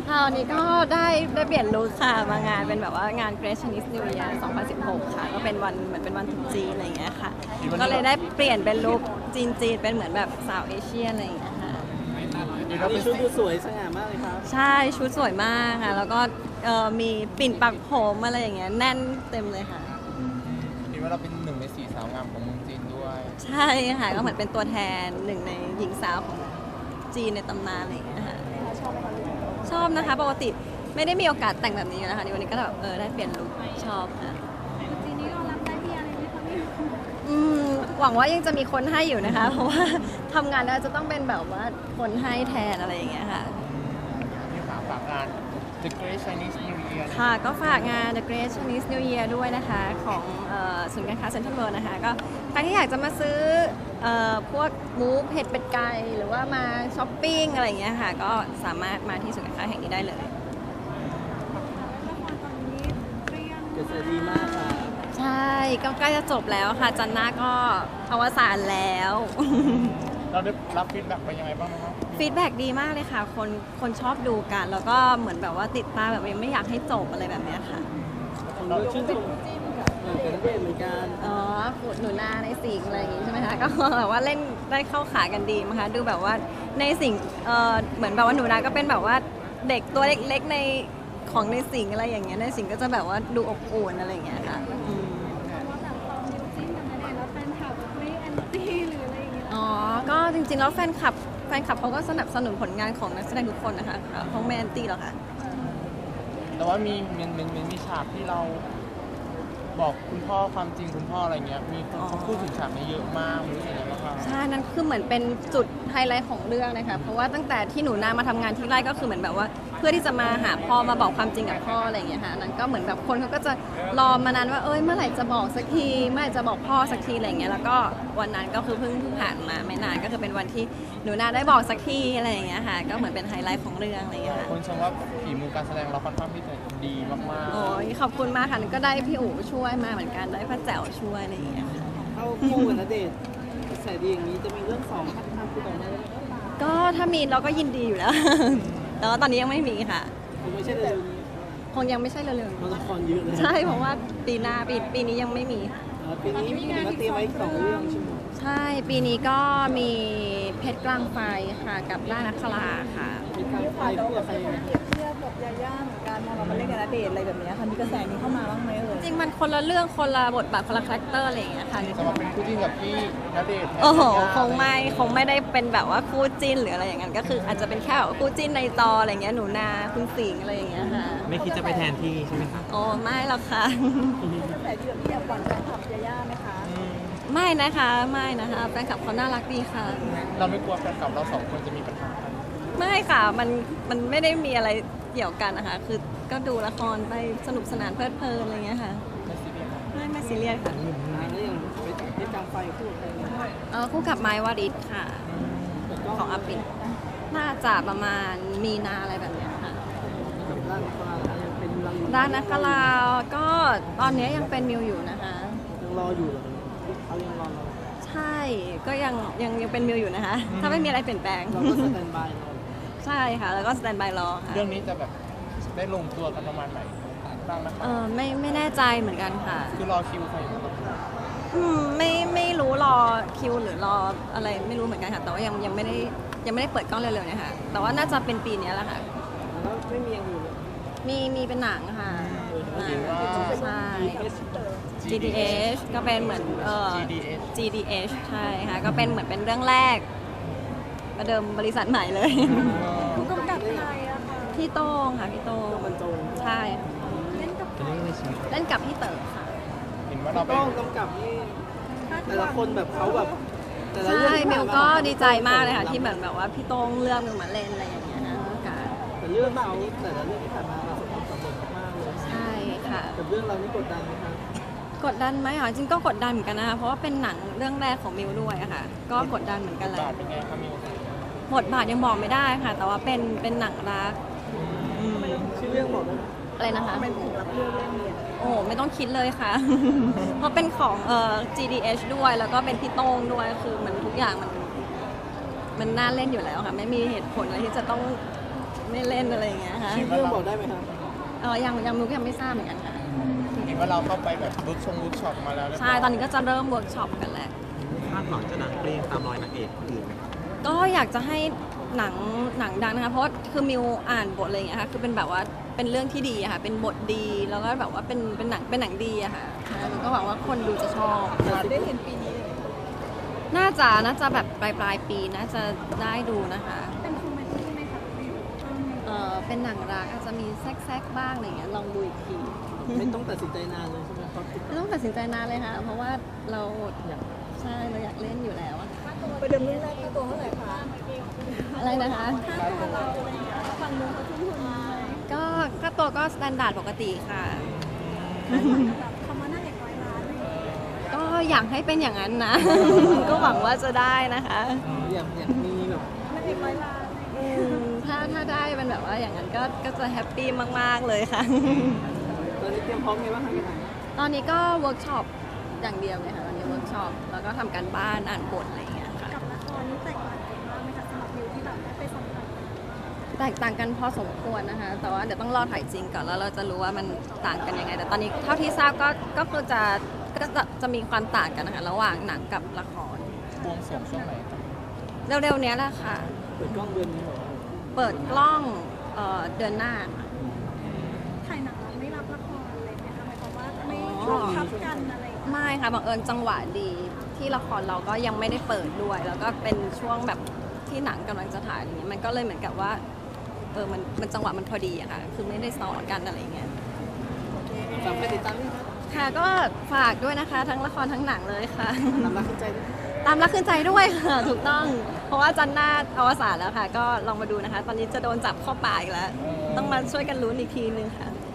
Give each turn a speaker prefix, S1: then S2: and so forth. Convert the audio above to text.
S1: ค่ะวันนี้ก็ได้เปลี่ยนลุคค่ะมางานเป็นแบบว่างาน Great Chinese New Year 2016 ค่ะก็เป็นวันเหมือนเป็นวันตรุษจีนอะไรอย่างเงี้ยค่ะก็เลยได้เปลี่ยนเป็นลุคจีนเป็นเหมือนแบบสาวเอเชียอะไรอย่างเงี้ยค่ะ
S2: มีชุดดูสวยสง่ามากเลยครับ
S1: ใช่ชุดสวยมากค่ะแล้วก็มีปิ่นปักผมอะไรอย่างเงี้ยแน่นเต็มเลยค่ะ
S3: คิดว่าเราเป็นหนึ่งในสี่สาวงามของเมืองจีนด้วย
S1: ใช่ค่ะก็เหมือนเป็นตัวแทนหนึ่งในหญิงสาวของจีนในตำนานอะไรอย่างเงี้ยค่ะชอบนะคะปกติไม่ได้มีโอกาสแต่งแบบนี้อยู่แล้วค่ะในวันนี้ก็แบบได้เปลี่ยนลุคชอบค่ะ
S4: จีนนี้เรารับได้ที่อะไรไหมคะพี่
S1: หวังว่ายังจะมีคนให้อยู่นะคะ เพราะว่าทำงานแล้วจะต้องเป็นแบบว่าคนให้แทนอะไรอย่างเงี้ยค่ะ
S3: มีฝากงาน The Great Chinese New Year
S1: ค่ะก็ฝากงาน The Great Chinese New Year ด้วยนะคะของศูนย์การค้าเซ็นทรัลเวิลด์นะคะก็ใครที่อยากจะมาซื้อพวกหมูเผ็ดเป็ดไก่หรือว่ามาช้อปปิ้งอะไรอย่างเงี้ยค่ะก็สามารถมาที่ศูนย์การค้าแห่งนี้ได้เลย
S4: ละครตอนนี้เรียน
S2: กระแสดีมากครับ
S1: ใช่ก็ใกล้จะจบแล้วค่ะจันทร์หน้าก็อวสานแล้ว
S3: เราได้รับฟีดแบ็กไปยังไงบ้างครับ
S1: ฟีดแบ็กดีมากเลยค่ะคนชอบดูกันแล้วก็เหมือนแบบว่าติดตามแบบยังไม่อยากให้จบอะไรแบบเนี้ยค่ะ
S2: ผมก็ชื่นชมเป็นนักเรียนเหมือนกัน
S1: อ๋อหนูนาในสิงห์อะไรอย่างงี้ใช่ไหมคะ ก็แบบว่าเล่นได้เข้าขากันดีมั้งคะดูแบบว่าในสิงห์เหมือนแบบว่าหนูนาก็เป็นแบบว่าเด็กตัวเล็กๆในของในสิงห์อะไรอย่างเงี้ยในสิงห์ก็จะแบบว่าดูอบอุ่นอะไรอย่างเงี้ยค่ะอืม
S4: ว่าแบบตอนยูจิ้นกันมาเนี่ยแล้วแฟนคลับไม่แอนตี้หรืออะไรอย่างเงี้ย
S1: อ๋อก็จริงๆแล้วแฟนคลับเขาก็สนับสนุนผลงานของนักแสดงทุกคนนะคะเขาไม่แอนตี้หรอกค่ะ
S3: แต่ว่ามีฉากที่เราบอกคุณพ่อความจริงคุณพ่ออะไรเงี้ยมีคนเขาพูดถึงฉากนี้เยอะมากรู้สึกยังไงบ้างครับ
S1: ใช่ นั่นคือเหมือนเป็นจุดไฮไลท์ของเรื่องนะคะ เพราะว่าตั้งแต่ที่หนูนามาทำงานที่ไร่ก็คือเหมือนแบบว่า เพื่อที่จะมาหาพ่อมาบอกความจริงกับพ่ออะไรอย่างเงี้ยค่ะนั้นก็เหมือนแบบคนเขาก็จะรอมานานว่าเมื่อไหร่จะบอกสักทีเมื่อไหร่จะบอกพ่อสักทีอะไรอย่างเงี้ยแล้วก็วันนั้นก็คือเพิ่งผ่านมาไม่นานก็คือเป็นวันที่หนูนาได้บอกสักทีอะไรอย่างเงี้ยค่ะก็เหมือนเป็นไฮไลท์ของเรื่องอะไรอย่างเงี้ยค่ะ
S3: คนชมว่าฝีมือการแสดงเราค่อนข้างที่จะดีมากๆ
S1: โอ้ยขอบคุณมากค่ะก็ได้พี่อู๋ช่วยมาเหมือนกันได้พ่อแจ๋วช่วยอะไรอย่างเงี้ยค่ะ
S2: เข้าคู่กับณเดชน์กระแสดีอย่างนี้จะมีเรื่องสองพัฒนาคู่ต่อเนื่อง
S1: ก็ถ้ามีเราก็ยินดีอยู่แล้ว แต่ว่าตอนนี้ยังไม่มีค่ะ
S2: คงไม่ใช่เร็วนี้
S1: คงยังไม่ใช่เร็วๆ
S2: มัน
S1: นี้
S2: ละครเยอะเลย
S1: ใช่เพราะว่าปีหน้าปีนี้ยังไม่มีค่ะ
S2: ปีนี้มีมาเตรียมไว้สองเรื่องใช่ไหม
S1: ใช่ปีนี้ก็มีเพชรกลางไฟค่ะกับล่านักคลาค่ะ
S2: มีทางไฟคู่กับใคร
S4: เปรียบเทียบกับยาย่าเหมือนกันพอเรามาเล่นกับณเดชน์อะไรแบบเนี้ยค่ะมีกระแสนี้เข้ามาบ้างไหมเอ่ย
S1: จริงมันคนละเรื่องคนละบทบาทคนละคาแรคเตอร์อะไรอย่างเงี้ยค่ะ
S3: จะมาเป็นคู่จิ้นกับพี่ณเดชน์แทน
S1: โอ้โห
S3: ยาย่า
S1: คงไม่ได้เป็นแบบว่าคู่จิ้นหรืออะไรอย่างนั้นก็คืออาจจะเป็นแค่แบบคู่จิ้นในจออะไรอย่างเงี้ยหนูนาคุณสิงห์อะไรอย่างเงี้ยค่ะ
S5: ไม่คิดจะไปแทนที่ใช่ไหมคะ
S1: โอ้ไม่หรอกค่ะ
S4: กระแสเดือดที่อยากหวั่นแฟนคลับยาย่าไหมคะ
S1: ไม่นะคะแฟนคลับเขาน่ารักดีค่ะ
S3: เราไม่กลัวแฟนคลับเราสองคนจะมีปัญหากัน
S1: ไม่ค่ะมันไม่ได้มีอะไรเกี่ยวกันนะคะ คือก็ดูละครไปสนุกสนานเพลิดเพลินอะไรเงี้ยค่ะ
S3: ไม่ซีเรียส
S1: ไม่ซีเรียสค่ะ
S2: แล้วอย่างเพชรกลางไฟคู่กับใครเนี่ย
S1: คู่กับไม้วาริศค่ะ
S2: เปิดกล้
S1: ของอาปิ่นน่าจะประมาณมีนาอะไรแบบเนี้ยค่ะ
S2: กับร่างฟ้ายังเป็นรังอยู่
S1: ด้านนักกลาก็ตอนนี้ยังเป็นมิวอยู่นะคะ
S2: ยังรออยู่เหรอเขายังรอเรา
S1: ใช่ก็ยังเป็นมิวอยู่นะคะ ถ้าไม่มีอะไรเปลี่ยนแปลง
S2: เราก็สแตนบายรอ
S1: ใช่ค่ะ แล้วก็สแตนบายรอค่ะ
S3: เรื่องนี้จะแบบได้ลงตัวกันประมาณไหนบ้างนะครับ
S1: ไม่แน่ใจเหมือนกันค่ะ
S3: คือรอคิวใครอยู่ครับ
S1: ไม่รู้รอคิวหรือรออะไรไม่รู้เหมือนกันค่ะ แต่ว่ายังไม่ได้เปิดกล้องเร็วๆเนี่ยค่ะ แต่ว่าน่าจะเป็นปีนี้แหละค่ะ
S2: แล้วไม่มีอย่างอื่นเลย
S1: มีเป็นหนังค่ะ
S3: เห็นว่า
S1: ใช่ GDH ก็เป็นเหมือน
S3: GDH
S1: GDH ใช่ค่ะก็เป็นเหมือนเป็นเรื่องแรกประเดิมบริษัทใหม่เลย
S4: ผู้กำกับใครอะคะ
S1: พี่โต้งค่ะพี่โต้ง
S2: บรรจง
S1: ใช่ค่ะ
S4: เล่นกับ
S5: เป็นเรื่องในชีวิต
S1: เล่นกับพี่เต๋อค่ะ
S3: เห็นว่าเราไป
S2: ต้องกำกับนี่แต่ละคนแบบเขาแบบแต่ละ
S1: ใช่
S2: เรื่องที่
S1: เม
S2: ผ่า
S1: ล
S2: นมา
S1: ก็ดีใจมากเลยค่ะที่เหมือนแบบว่าพี่โต้งเลือกมิวมาเล่นอะไรอย่างเงี้ยนะค่ะ
S2: แต่เรื่องเขาแต่ละเรื่องที่ผ่านมาประสบความสำเร็จมากเลย
S1: ใช่ค่ะ
S2: กับเรื่องเรานี่กดดันไหมครับ
S1: กดดันไหมอ๋อจริงก็กดดันเหมือนกันนะคะเพราะว่าเป็นหนังเรื่องแรกของมิวด้วยอะค่ะ ก็กดดันเหมือนกันแหละ
S3: บาทเป็นไงครับมิว
S1: บทบาทยังบอกไม่ได้ค่ะ แต่ว่าเป็นหนังรัก
S2: ชื่อเรื่องบอกได้ไหม
S1: อะไรนะคะ
S4: เป็นถึงรับเรื่องเล่นเนี่ย
S1: โอ้โหไม่ต้องคิดเลยค่ะ เพราะเป็นของGDH ด้วยแล้วก็เป็นพี่โต้งด้วยคือมันทุกอย่างมันน่าเล่นอยู่แล้วค่ะ ไม่มีเหตุผลอะไรที่จะต้องไม่เล่นอะไรอย่างเงี้ยค่ะ
S2: ชื่อเรื่องบอกได้ไหมครับ
S1: ยังมุกยังไม่ทราบเหมือนกันค่ะ
S3: เห็นว่าเราเข้าไปแบบรูทช็อปมาแล้วเรียบร้
S1: ใช่
S3: อย
S1: ตอนนี้ก็จะเริ่มเวิร์กช็อปกันแล้ว
S5: คาดหวังจะดังเปรี้ยงตามรอยนางเอกคนอื่นไหมคะ
S1: ก็อยากจะให้หนังดังนะคะ เพราะว่าคือมิวอ่านบทอะไรอย่างเงี้ยค่ะคือเป็นแบบว่าเป็นเรื่องที่ดีอะค่ะเป็นบทดีแล้วก็แบบว่าเป็นหนังดีอะค่ะแล้วก็หวังว่าคนดูจะชอบ
S4: จะได้เห็นปีนี้เลย
S1: น่าจะแบบปลายปีน่าจะได้ดูนะคะ
S4: เป็นคอมเมดี้ไหมคะ
S1: เป็นหนังรักอาจจะมีแซกบ้างอะไรอย่างเงี้ยลองดูอีกที
S2: ไม่ต้องตัดสินใจนานเลยใช่ไหมครับ
S1: ไม่ต้องตัดสินใจนานเลยค่ะ เพราะว่าเราใช่เราอยากเล่นอยู่แล้วอะ
S4: ไปเดิมเรื่องแรกค่าตัวเท่าไหร่คะ
S1: อะไรนะคะ
S4: ค่าตัวเราอะไรอย่างเงี้ยฝั่งนู้นเขาทุ่มทุนมา
S1: ก็ค่าตัวก็สแตนดาร์ดปกติค่ะ
S4: แบบคำว่าหน้าเอกร้อยล้านเลย
S1: ก็อยากให้เป็นอย่างนั้นนะ ก็หวังว่าจะได้นะคะ
S2: อยากมีแบบ
S4: หน้าเอกร้อยล้าน
S1: ถ้าได้เป็นแบบว่าอย่างนั้นก็จะแฮปปี้มากๆเลยค่ะ
S2: ตอนนี้เตรียมพร้อมไงบ้างคะพี่ไหน
S1: ตอนนี้ก็เวิร์กช็อปอย่างเดียวเลยค่ะตอนนี้เวิร์กช็อปแล้วก็ทำการบ้านอ่านบทอะไรอย่างเงี้ยค่ะ
S4: กับละครนี่แตกต่างกันมากไหมคะสำหรับวิวที่แบบได้ไปสัมผัส
S1: แตกต่างกันพอสมควรนะคะ แต่ว่าเดี๋ยวต้องรอถ่ายจริงก่อนแล้วเราจะรู้ว่ามันต่างกันยังไง แต่ตอนนี้เท่าที่ทราบก็คือจะมีความต่างกันนะคะระหว่างหนังกับละคร
S3: บวงสรวงช่วงไหนครับ
S1: เร็วๆเนี้ยแหละค่ะ
S2: เปิดกล้องเดือนนี้เหรอ
S1: เปิดกล้องเดือนหน้าค่ะ
S4: ถ่ายหนังไม่รับละครเลยไหมคะหมายความว่าไม่
S1: อ๋อ
S4: ทับกันอะไรอย่างเงี้ย
S1: ไม่ค่ะบังเอิญจังหวะดีที่ละครเราก็ยังไม่ได้เปิดด้วย แล้วก็เป็นช่วงแบบที่หนังกำลังจะถ่ายอย่างเงี้ยมันก็เลยเหมือนกับว่ามันจังหวะมันพอดีอะค่ะ คือไม่ได้ซ้อนกันอะไรอย่างเงี้ย
S2: ฝากไปติดตามด้วยครับ
S1: ค่ะก็ฝากด้วยนะคะ ทั้งละครทั้งหนังเลยค่ะ
S2: ตามรักขึ้นใจด้วย
S1: ตามรักขึ้นใจด้วยค่ะ ถูกต้อง เพราะว่าจันทร์หน้าอวสานแล้วค่ะ ก็ลองมาดูนะคะ ตอนนี้จะโดนจับเข้าป่าอีกแล้ว ต้องมาช่วยกันลุ้นอีกทีนึงค่ะ